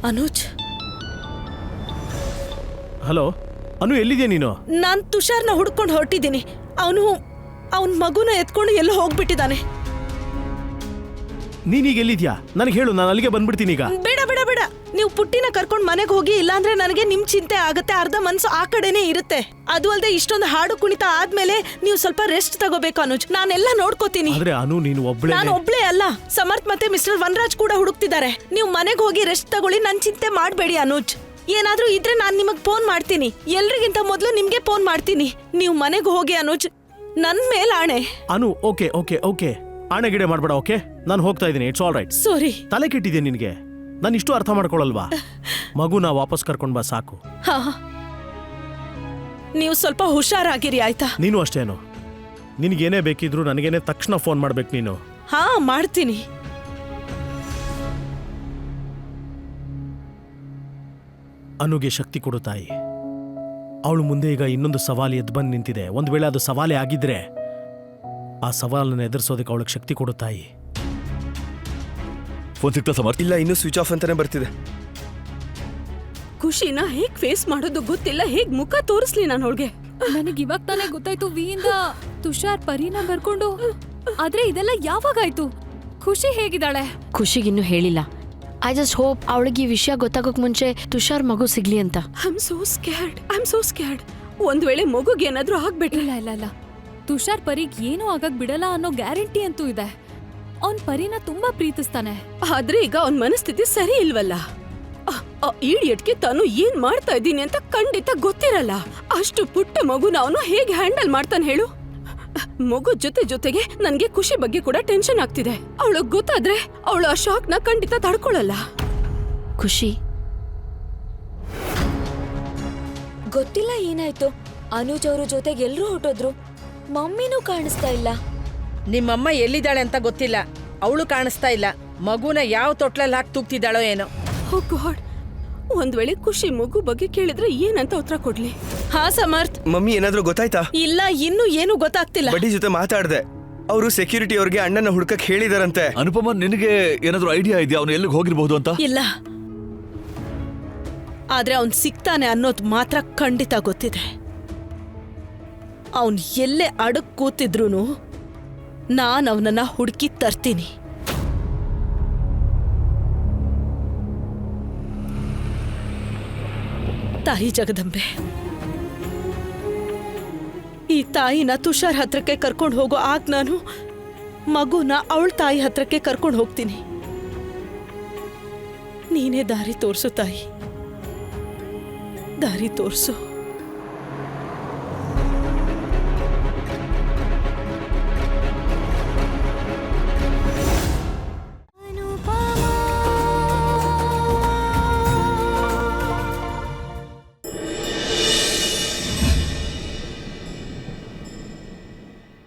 Anuj. Hello ಅನು, ಎಲ್ಲಿದ್ಯಾ ನೀನು? ನಾನ್ ತುಷಾರ್ನ ಹುಡ್ಕೊಂಡು ಹೊರಟಿದ್ದೀನಿ. ಅವನ್ ಮಗುನ ಎತ್ಕೊಂಡು ಎಲ್ಲೋ ಹೋಗ್ಬಿಟ್ಟಿದ್ದಾನೆ. ನೀನೀಗ ಎಲ್ಲಿದ್ಯಾ? ನನಗೆ ಹೇಳು, ನಾನು ಅಲ್ಲಿಗೆ ಬಂದ್ಬಿಡ್ತೀನಿ ಈಗ. ಬೇಡ ಬೇಡ ಬೇಡ, ನೀವು ಪುಟ್ಟಿನ ಕರ್ಕೊಂಡು ಮನೆಗೆ ಹೋಗಿ, ಇಲ್ಲಾಂದ್ರೆ ನನಗೆ ನಿಮ್ ಚಿಂತೆ ಆಗತ್ತೆ. ಅರ್ಧ ಮನ್ಸು ಆ ಕಡೆನೇ ಇರುತ್ತೆ. ಅದು ಅಲ್ಲದೆ ಇಷ್ಟೊಂದು ಹಾಡು ಕುಣಿತ ಆದ್ಮೇಲೆ ನೀವು ಸ್ವಲ್ಪ ರೆಸ್ಟ್ ತಗೋಬೇಕು ಅನುಜ್. ನಾನೆಲ್ಲ ನೋಡ್ಕೋತೀನಿ. ಆದ್ರೆ ಅನು, ನೀನು ಒಬ್ಳೆ. ನಾನು ಒಬ್ಳೇ ಅಲ್ಲ, ಸಮರ್ಥ್ ಮತ್ತೆ ಮಿಸ್ಟರ್ ವನರಾಜ್ ಕೂಡ ಹುಡುಕ್ತಿದ್ದಾರೆ. ನೀವು ಮನೆಗೆ ಹೋಗಿ ರೆಸ್ಟ್ ತಗೊಳ್ಳಿ, ನನ್ ಚಿಂತೆ ಮಾಡ್ಬೇಡಿ ಅನುಜ್. ಏನಾದ್ರೂ ಇದ್ರೆ ನಾನ್ ನಿಮಗ್ ಫೋನ್ ಮಾಡ್ತೀನಿ. ಎಲ್ರಿಗಿಂತ ಮೊದಲು ನಿಮ್ಗೆ ಫೋನ್ ಮಾಡ್ತೀನಿ. ನೀವು ಮನೆಗೆ ಹೋಗಿ ಅನುಜ್, ನನ್ ಮೇಲ್ ಆಣೆ. ಅನು, ಓಕೆ ಓಕೆ ಓಕೆ, ಆಣೆ ಗಿಡೆ ಮಾಡ್ಬೇಡ. ಓಕೆ, ನಾನು ಹೋಗ್ತಾ ಇದ್ದೀನಿ. It's all right. ಸಾರಿ. ತಲೆ ಕೆಟ್ಟಿದೆ ನಿನ್ಗೆ. ನಾನು ಇಷ್ಟು ಅರ್ಥ ಮಾಡ್ಕೊಳಲ್ವಾ? ಮಗುನ ವಾಪಸ್ ಕರ್ಕೊಂಡ್ ಬಾ ಸಾಕು. ಹಾ, ನೀವು ಸ್ವಲ್ಪ ಹುಷಾರಾಗಿರಿ ಆಯ್ತಾ? ನೀನು ಅಷ್ಟೇನು. ನಿನ್ಗೇನೇ ಬೇಕಿದ್ರು ನನಗೇನೆ ತಕ್ಷಣ ಫೋನ್ ಮಾಡ್ಬೇಕು ನೀನು. ಹಾ, ಮಾಡ್ತೀನಿ. ಅನುಗೆ ಶಕ್ತಿ ಕೊಡು ತಾಯಿ. ಅವಳು ಮುಂದೆ ಈಗ ಇನ್ನೊಂದು ಸವಾಲು ಎದ್ದು ಬಂದು ನಿಂತಿದೆ. ಒಂದ್ ವೇಳೆ ಅದು ಸವಾಲೇ ಆಗಿದ್ರೆ ಆ ಸವಾಲನ್ನು ಎದುರಿಸೋದಕ್ಕೆ ಅವಳಿಗೆ ಶಕ್ತಿ ಕೊಡು ತಾಯಿ. ಫೋನ್ ಸಿಗ್ತಾ ಸಮರ್ಥ್? ಇಲ್ಲ, ಇನ್ನೂ ಸ್ವಿಚ್ ಆಫ್ ಅಂತಾನೆ ಬರ್ತಿದೆ. ಖುಷಿನ ಹೇಗ್ ಫೇಸ್ ಮಾಡೋದು ಗೊತ್ತಿಲ್ಲ. ಹೇಗ್ ಮುಖ ತೋರಿಸ್ಲಿ ನಾನು ಅವಳಿಗೆ? ನನಗೆ ಇವಾಗ ತಾನೇ ಗೊತ್ತಾಯ್ತು ವಿಯಿಂದ ತುಷಾರ್ ಪರಿನ ಬರ್ಕೊಂಡು. ಆದ್ರೆ ಇದೆಲ್ಲ ಯಾವಾಗಾಯ್ತು? ಖುಷಿ ಹೇಗಿದ್ದಾಳೆ? ಖುಷಿಗಿನ್ನೂ ಹೇಳಿಲ್ಲ. ಐ ಜಸ್ಟ್ ಹೋಪ್ ಅವಳಿಗೆ ಈ ವಿಷಯ ಗೊತ್ತಾಗೋಕ್ ಮುಂಚೆ ತುಷಾರ್ ಮಗು ಸಿಗ್ಲಿ ಅಂತ. I am so scared. ಒಂದ್ ವೇಳೆ ಮಗುಗೆ ಏನಾದ್ರೂ ಆಗ್ಬಿಟ್ರೆ? ಇಲ್ಲ ಇಲ್ಲ ಇಲ್ಲ, ತುಷಾರ್ ಪರಿಗ್ ಏನೂ ಆಗಕ್ ಬಿಡಲ್ಲ ಅನ್ನೋ ಗ್ಯಾರಂಟಿ ಅಂತೂ ಇದೆ. ಅವ್ನ್ ಪರಿನ ತುಂಬಾ ಪ್ರೀತಿಸ್ತಾನೆ. ಆದ್ರೆ ಈಗ ಅವನ್ ಮನಸ್ಥಿತಿ ಸರಿ ಇಲ್ವಲ್ಲ. ಈಡಿಯಟ್ಗೆ ತಾನು ಏನ್ ಮಾಡ್ತಾ ಇದ್ದೀನಿ ಅಂತ ಖಂಡಿತ ಗೊತ್ತಿರಲ್ಲ. ಅಷ್ಟು ಪುಟ್ಟ ಮಗುನ ಅವನು ಹೇಗೆ ಹ್ಯಾಂಡಲ್ ಮಾಡ್ತಾನೆ ಹೇಳು? ಮಗು ಜೊತೆಗೆ ನನ್ಗೆ ಖುಷಿ ಬಗ್ಗೆ ಕೂಡ ಟೆನ್ಷನ್ ಆಗ್ತಿದೆ. ಅವಳು ಗೊತ್ತಾದ್ರೆ ಅವಳು ಆ ಶಾಕ್ ನ ಖಂಡಿತ ತಡ್ಕೊಳಲ್ಲ. ಖುಷಿ ಗೊತ್ತಿಲ್ಲ ಏನಾಯ್ತು. ಅನುಜ್ ಅವ್ರ ಜೊತೆಗೆ ಎಲ್ರೂ ಹೊರಟೋದ್ರು. ಮಮ್ಮಿನೂ ಕಾಣಿಸ್ತಾ ಇಲ್ಲ. ನಿಮ್ಮಮ್ಮ ಎಲ್ಲಿದ್ದಾಳೆ ಅಂತ ಗೊತ್ತಿಲ್ಲ. ಅವಳು ಕಾಣಿಸ್ತಾ ಇಲ್ಲ. ಮಗುನ ಯಾವ ತೊಟ್ಲಲ್ಲಿ ಹಾಕಿ ತೂಗ್ತಿದ್ದಾಳೋ ಏನೋ. ಓ ಗಾಡ್, ಒಂದ್ ವೇಳೆ ಖುಷಿ ಮಗು ಬಗ್ಗೆ ಕೇಳಿದ್ರೆ ಏನಂತ ಉತ್ತರ ಕೊಡ್ಲಿ? ಹಾ ಸಮರ್ಥ್. ಮಮ್ಮಿ, ಏನಾದ್ರೂ ಗೊತ್ತಾಯ್ತಾ? ಇಲ್ಲ, ಇನ್ನೂ ಏನು ಗೊತ್ತಾಗ್ತಿಲ್ಲ. ಬಡ್ಡಿ ಜೊತೆ ಮಾತಾಡ್ದೆ. ಅವರು ಸೆಕ್ಯೂರಿಟಿ ಅವ್ರಿಗೆ ಅಣ್ಣನ ಹುಡ್ಕಕ್ ಹೇಳಿದಾರಂತೆ. ಅನುಪಮ, ನಿನಗೆ ಏನಾದ್ರೂ ಐಡಿಯಾ ಇದೆಯಾ ಅವನು ಎಲ್ಲಿಗೆ ಹೋಗಿರ್ಬಹುದು ಅಂತ? ಇಲ್ಲ, ಆದ್ರೆ ಅವನ್ ಸಿಗ್ತಾನೆ ಅನ್ನೋದು ಮಾತ್ರ ಖಂಡಿತ ಗೊತ್ತಿದೆ. ಅವನ್ ಎಲ್ಲೇ ಅಡಗ್ ಕೂತಿದ್ರೂನು ನಾನ್ ಅವನನ್ನ ಹುಡುಕಿ ತರ್ತೀನಿ. ತಾಯಿ ಜಗದಂಬೆ, ಈ ತಾಯಿನ ತುಷಾರ್ ಹತ್ರಕ್ಕೆ ಕರ್ಕೊಂಡು ಹೋಗೋ ಆಗ ನಾನು ಮಗುನ ಅವಳ ತಾಯಿ ಹತ್ರಕ್ಕೆ ಕರ್ಕೊಂಡು ಹೋಗ್ತೀನಿ. ನೀನೇ ದಾರಿ ತೋರ್ಸು ತಾಯಿ, ದಾರಿ ತೋರ್ಸು.